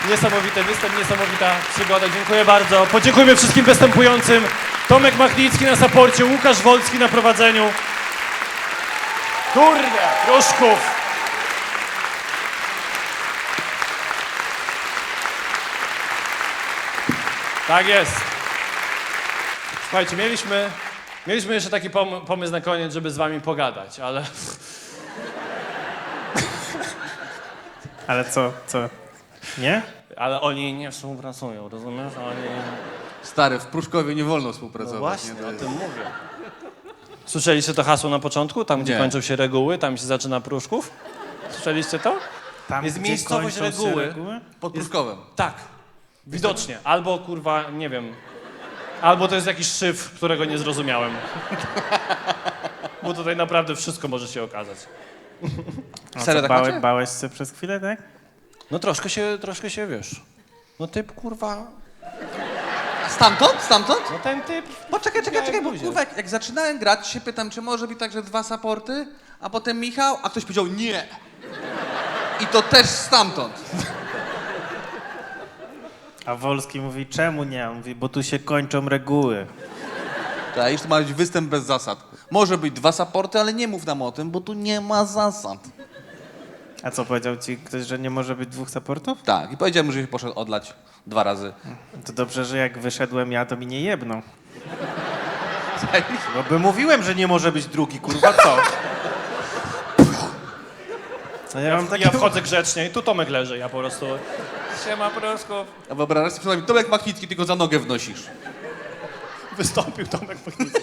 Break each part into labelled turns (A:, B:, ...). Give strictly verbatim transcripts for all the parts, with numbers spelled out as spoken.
A: Niesamowity występ, niesamowita przygoda. Dziękuję bardzo. Podziękujmy wszystkim występującym. Tomek Machnicki na saporcie, Łukasz Wolski na prowadzeniu. Kurde, Pruszków. Tak jest. Słuchajcie, mieliśmy, mieliśmy jeszcze taki pom pomysł na koniec, żeby z wami pogadać, ale...
B: Ale co, co? Nie?
A: Ale oni nie współpracują, rozumiesz? Oni...
C: Stary, w Pruszkowie nie wolno współpracować.
A: No właśnie,
C: nie? To
A: o
C: jest-
A: tym mówię. Słyszeliście to hasło na początku? Tam, gdzie
C: Nie.
A: kończą się reguły, tam się zaczyna Pruszków? Słyszeliście to?
B: Tam,
A: Jest
B: gdzie
A: miejscowość
B: kończą się
A: reguły.
B: reguły?
C: Pod Pruszkowem.
A: Tak, widocznie. Albo kurwa, nie wiem. Albo to jest jakiś szyf, którego nie zrozumiałem. Bo tutaj naprawdę wszystko może się okazać.
B: A
C: Serio,
B: co,
C: tak
B: bałe,
C: macie?
B: bałeś się przez chwilę, tak?
A: No troszkę się, troszkę się, wiesz. No typ, kurwa,
C: Stamtąd? Stamtąd?
A: no ten typ...
C: Poczekaj, czekaj, czekaj, bo
A: buzię.
C: kurwa, jak, jak zaczynałem grać, się pytam, czy może być tak, że dwa supporty, a potem Michał, a ktoś powiedział nie. I to też stamtąd.
B: A Wolski mówi, czemu nie? On mówi, bo tu się kończą reguły.
C: Tak, już to ma być występ bez zasad. Może być dwa supporty, ale nie mów nam o tym, bo tu nie ma zasad.
B: A co, powiedział ci ktoś, że nie może być dwóch supportów?
C: Tak, i powiedziałem, że się poszedł odlać dwa razy.
B: To dobrze, że jak wyszedłem ja, to mi nie jebną. No by mówiłem, że nie może być drugi, kurwa, co? No ja mam takie...
A: Ja wchodzę grzecznie i tu Tomek leży, ja po prostu... Siema, Pruszków.
C: A wyobrażasz sobie, przynajmniej Tomek Machnicki, tylko za nogę wnosisz.
A: Wystąpił Tomek Machnicki.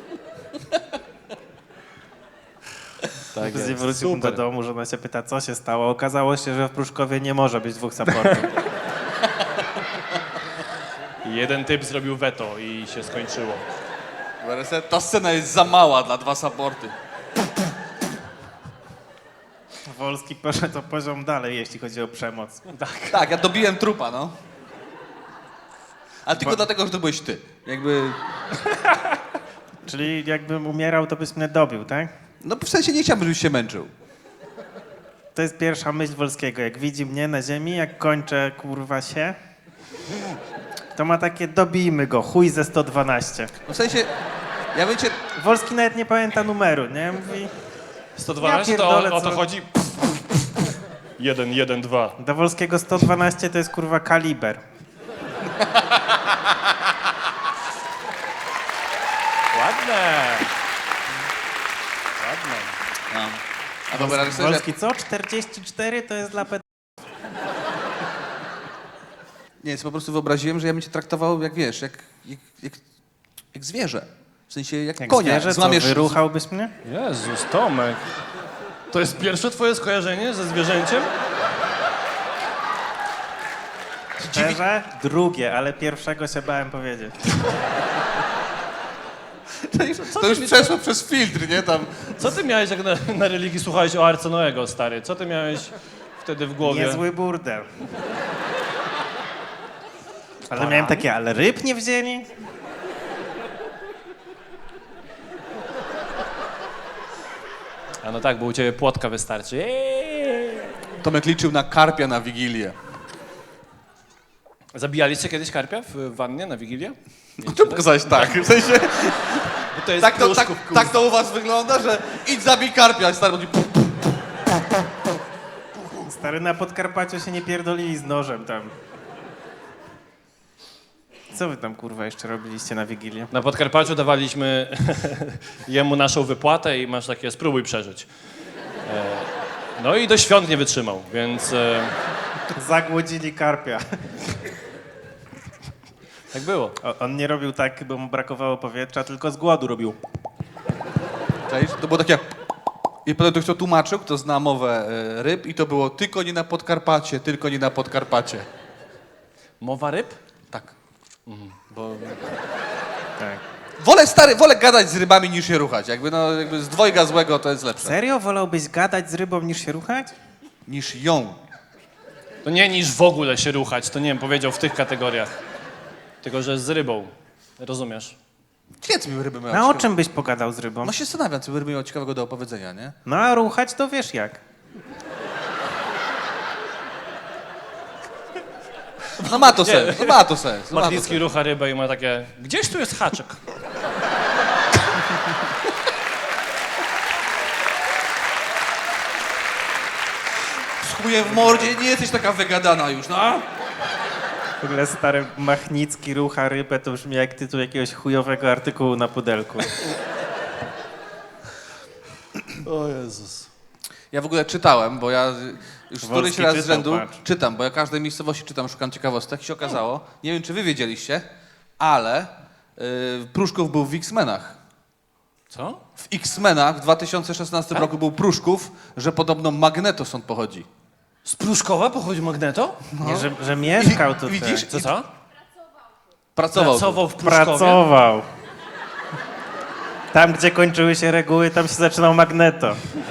A: Tak
B: Później
A: jest,
B: wrócił do
A: super.
B: domu, żona się pyta, co się stało. Okazało się, że w Pruszkowie nie może być dwóch supportów.
A: Jeden typ zrobił weto i się skończyło.
C: Wyobraź sobie, ta scena jest za mała dla dwa supporty.
B: Wolski poszedł o poziom dalej, jeśli chodzi o przemoc.
C: Tak, ja dobiłem trupa, no. Ale tylko dlatego, że to byłeś ty. Jakby...
B: Czyli jakbym umierał, to byś mnie dobił, tak?
C: No w sensie nie chciałbym, żebyś się męczył.
B: To jest pierwsza myśl Wolskiego. Jak widzi mnie na ziemi, jak kończę, kurwa, się, to ma takie, dobijmy go, chuj ze sto dwanaście.
C: No w sensie, ja bym cię...
B: Wolski nawet nie pamięta numeru, nie? Mówi,
A: sto dwanaście
B: Ja
A: to
B: pierdolę,
A: o, o to
B: co-
A: chodzi? Jeden, jeden, dwa.
B: do Wolskiego sto dwanaście to jest, kurwa, kaliber.
A: Ładne. Ładne.
C: No. A wyobrażasz sobie, że...
B: Wolski co? czterdzieści cztery to jest dla ped...
C: Nie, jest po prostu wyobraziłem, że ja bym cię traktował jak, wiesz, jak, jak, jak, jak zwierzę. W sensie jak,
B: Jak
C: konia.
B: zwierzę, co,
C: Złamiesz...
B: wyruchałbyś mnie?
A: Jezus, Tomek. To jest pierwsze twoje skojarzenie ze zwierzęciem?
B: Szczerze? Drugie, ale pierwszego się bałem powiedzieć.
C: To już przeszło przez filtr, nie? Tam...
A: Co ty miałeś, jak na, na religii słuchałeś o Arce Noego, stary? Co ty miałeś wtedy w głowie?
B: Niezły burdel. Ale miałem takie, ale ryb nie wzięli?
A: A no tak, bo u ciebie płotka wystarczy. Eee.
C: Tomek liczył na karpia na Wigilię.
A: Zabijaliście kiedyś karpia w wannie na Wigilię?
C: Czemu pokazałeś tak? W sensie,
A: Bo to jest
C: tak, to, tak,
A: Pruszków,
C: tak to u was wygląda, że idź zabij karpia, a stary mówi...
B: Stary, na Podkarpaciu się nie pierdolili z nożem tam. Co wy tam, kurwa, jeszcze robiliście na Wigilię?
A: Na Podkarpaciu dawaliśmy jemu naszą wypłatę i masz takie, spróbuj przeżyć. E, no i do świąt nie wytrzymał, więc e,
B: Zagłodzili karpia.
A: tak było.
B: O, on nie robił tak, bo mu brakowało powietrza, tylko z głodu robił.
C: Cześć? To było takie... I potem to kto tłumaczył, kto zna mowę e, ryb i to było tylko nie na Podkarpacie, tylko nie na Podkarpacie.
A: Mowa ryb?
C: Tak.
A: Bo
B: Tak.
C: Wolę, stary, wolę gadać z rybami niż się ruchać. Jakby, no, jakby z dwojga złego to jest lepsze.
B: Serio? Wolałbyś gadać z rybą niż się ruchać?
C: Niż ją.
A: to nie niż w ogóle się ruchać, to nie wiem, powiedział w tych kategoriach. Tylko, że z rybą. Rozumiesz?
C: Ciekawe, co by ryby miały
B: No o
C: ciekawe-
B: czym byś pogadał z rybą?
C: No się zastanawiam, co by ryby miało ciekawego do opowiedzenia, nie?
B: No a ruchać to wiesz jak.
C: No ma to sens, no ma to sens. No ma to
A: Matlicki
C: sens.
A: rucha rybę i ma takie, gdzieś tu jest haczyk.
C: Z chujem w mordzie, nie jesteś taka wygadana już, no.
B: W ogóle stary Machnicki rucha rybę to brzmi jak tytuł jakiegoś chujowego artykułu na pudelku.
A: O Jezus.
C: Ja w ogóle czytałem, bo ja już
B: Wolski
C: któryś raz z
B: czytał,
C: rzędu
B: patrz.
C: czytam, bo ja każdej miejscowości czytam, szukam ciekawostek i się okazało, nie wiem czy wy wiedzieliście, ale yy, Pruszków był w X-Menach.
A: Co?
C: W X-Menach w dwa tysiące szesnastym roku był Pruszków, że podobno Magneto stąd pochodzi.
A: Z Pruszkowa pochodzi Magneto?
B: Nie, że, że mieszkał
C: I-
B: tutaj.
C: widzisz?
A: Co, co?
C: Pracował. tu.
A: Pracował w Pruszkowie?
B: Pracował. Tam, gdzie kończyły się reguły, tam się zaczynał Magneto.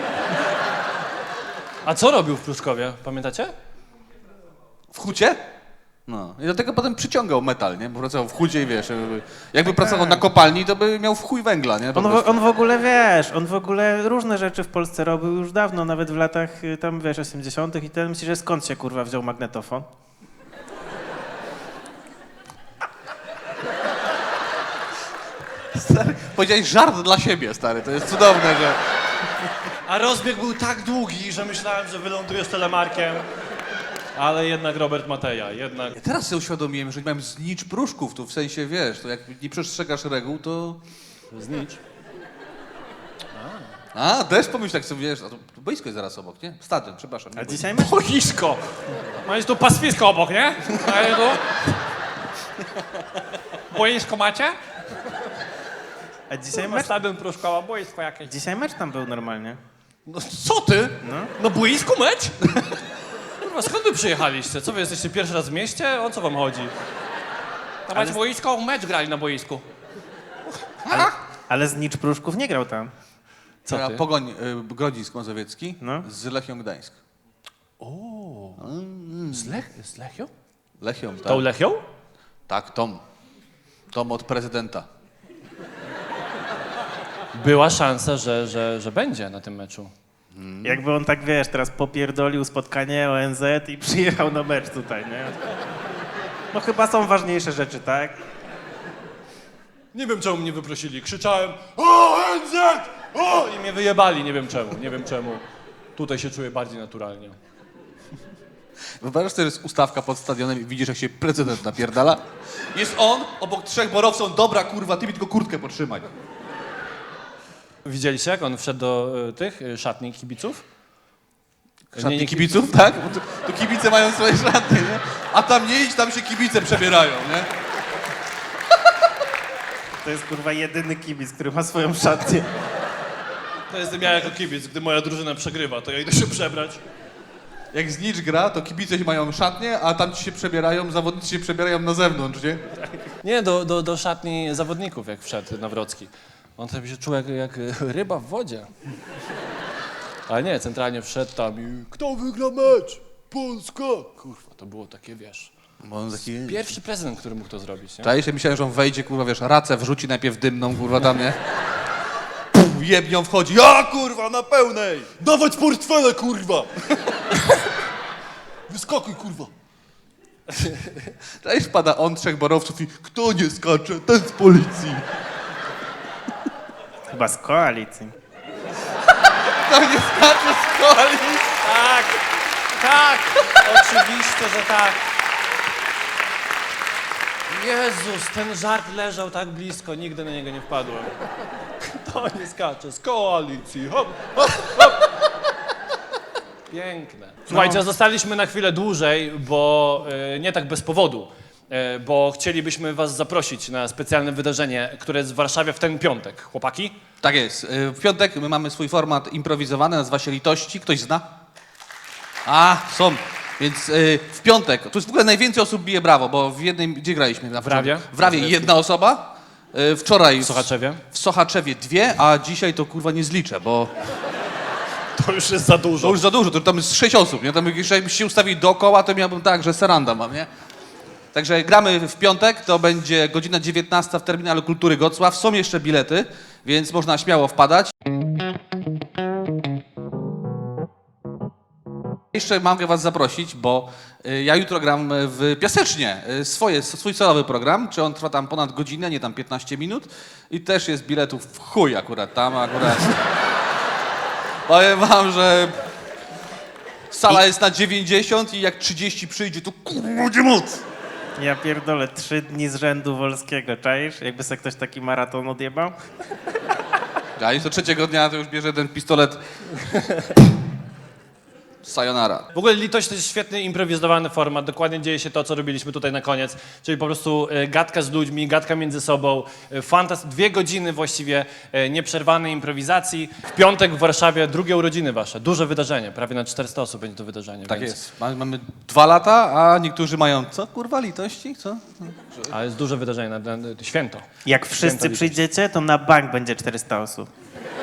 A: A co robił w Pruszkowie? Pamiętacie?
C: W hucie? No. I dlatego potem przyciągał metal, nie? Bo pracował w hucie i wiesz, jakby, jakby pracował na kopalni, to by miał w chuj węgla, nie? Po
B: On, w,
C: prostu.
B: on w ogóle, wiesz, on w ogóle różne rzeczy w Polsce robił już dawno, nawet w latach y, tam, wiesz, osiemdziesiątych i ten myślisz, że skąd się, kurwa, wziął magnetofon?
C: Stary, powiedziałeś żart dla siebie, stary, to jest cudowne, że...
A: A rozbieg był tak długi, że myślałem, że wylądujesz telemarkiem. Ale jednak Robert Mateja, jednak...
C: Ja teraz sobie uświadomiłem, że nie mam znicz Pruszków, tu w sensie, wiesz, to jak nie przestrzegasz reguł, to...
A: Znicz.
C: A, też pomyśl tak sobie, wiesz, a to, to boisko jest zaraz obok, nie? Stadion, przepraszam. nie
B: A
C: boisko.
B: dzisiaj mecz,
A: Boisko! Macie tu pastwisko obok, nie? A ja tu... Boisko macie?
B: a dzisiaj mecz,
A: Stadion Pruszkowa, boisko jakieś.
B: dzisiaj mecz tam był normalnie.
A: No co ty?
B: No.
A: No boisku mecz? Kurwa, skąd wy przyjechaliście? Co wy jesteście pierwszy raz w mieście? O co wam chodzi? Tam macie boisko, mecz grali na boisku.
B: Ale Znicz Pruszków nie grał tam.
A: Co
C: Teraz
A: ty?
C: Pogoń y, Grodzisk Mazowiecki
B: No.
C: z Lechią Gdańsk.
A: Z, Lech, z Lechią?
C: Lechią, tak?
A: Tą Lechią?
C: Tak, Tom. Tom od prezydenta.
A: Była szansa, że, że, że będzie na tym meczu.
B: Jakby on tak, wiesz, teraz popierdolił spotkanie O N Z i przyjechał na mecz tutaj, nie? No chyba są ważniejsze rzeczy, tak?
A: Nie wiem, czemu mnie wyprosili. Krzyczałem O N Z! O! I mnie wyjebali, nie wiem czemu, nie wiem czemu. Tutaj się czuję bardziej naturalnie.
C: Wyobrażasz sobie, że jest ustawka pod stadionem i widzisz, jak się prezydent napierdala? Jest on, obok trzech borowców, dobra kurwa, ty mi tylko kurtkę potrzymaj.
A: Widzieliście, jak on wszedł do y, tych y, szatni kibiców?
C: Szatni
A: nie
C: kibiców, tak? Bo tu, tu kibice mają swoje szatnie, nie? A tam nie idź, tam się kibice przebierają, nie?
B: To jest kurwa jedyny kibic, który ma swoją szatnię.
A: To jestem ja jako kibic, gdy moja drużyna przegrywa, to ja idę się przebrać.
C: Jak znicz gra, to kibice mają szatnie, a tam ci się przebierają, zawodnicy się przebierają na zewnątrz, nie?
A: Nie, do, do, do szatni zawodników, jak wszedł Nawrocki. On tam się czuł jak, jak ryba w wodzie. Ale nie, centralnie wszedł tam i kto wygra mecz? Polska! Kurwa, to było takie, wiesz,
C: Bo on taki...
A: pierwszy prezydent, który mógł to zrobić, nie?
C: Czaisz, ja myślałem, że on wejdzie, kurwa, wiesz, racę wrzuci najpierw dymną, kurwa, tam, nie? Puf, jebnią wchodzi, ja, kurwa, na pełnej!
A: Dawać portfele, kurwa! Wyskakuj, kurwa!
C: Czaisz, pada on, trzech borowców i kto nie skacze, ten z policji.
B: Chyba z koalicji.
C: Kto nie skacze z koalicji.
A: Tak, tak, oczywiście, że tak. Jezus, ten żart leżał tak blisko, nigdy na niego nie wpadłem. To nie skacze z koalicji, hop, hop, hop. Piękne. Słuchajcie, zostaliśmy na chwilę dłużej, bo e, nie tak bez powodu, e, bo chcielibyśmy was zaprosić na specjalne wydarzenie, które jest w Warszawie w ten piątek. Chłopaki?
C: Tak jest. Y, W piątek my mamy swój format improwizowany, nazywa się Litości. Ktoś zna? A, są. Więc y, w piątek, tu jest w ogóle najwięcej osób bije brawo, bo w jednym, gdzie graliśmy? Na
A: W Rawie.
C: W Rawie jedna osoba. Y, wczoraj
A: W Sochaczewie?
C: w Sochaczewie dwie, a dzisiaj to kurwa nie zliczę, bo
A: To już jest za dużo.
C: to już za dużo, to tam jest sześć osób, nie? Tam jeszcze jakbyście się ustawili dookoła, to miałbym tak, że seranda mam, nie? Także gramy w piątek, to będzie godzina dziewiętnasta w Terminalu Kultury Gocław. Są jeszcze bilety, więc można śmiało wpadać. Jeszcze mogę was zaprosić, bo y, ja jutro gram w Piasecznie, y, swoje, swój solowy program, czy on trwa tam ponad godzinę, nie tam piętnaście minut i też jest biletów w chuj akurat tam, akurat. Powiem wam, że sala jest na dziewięćdziesiąt i jak trzydzieści przyjdzie, to kurwa będzie moc.
B: Ja pierdolę, trzy dni z rzędu Wolskiego, czaisz? Jakby sobie ktoś taki maraton odjebał?
C: A i co trzeciego dnia to już bierze ten pistolet. Sayonara.
A: W ogóle Litość to jest świetny, improwizowany format. Dokładnie dzieje się to, co robiliśmy tutaj na koniec. Czyli po prostu e, gadka z ludźmi, gadka między sobą. E, fantas- dwie godziny właściwie e, nieprzerwanej improwizacji. W piątek w Warszawie drugie urodziny wasze. Duże wydarzenie. Prawie na czterysta osób będzie to wydarzenie.
C: Tak
A: więc...
C: jest. Mamy, mamy dwa lata, a niektórzy mają co kurwa litości? Co?
A: Ale jest duże wydarzenie, na, na, na święto.
B: Jak
A: Święto
B: wszyscy
A: Litości.
B: przyjdziecie, to na bank będzie czterysta osób.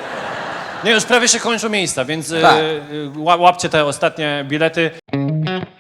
A: Nie, już prawie się kończą miejsca, więc e,
C: Tak.
A: e, ła- łapcie te ostatnie bilety.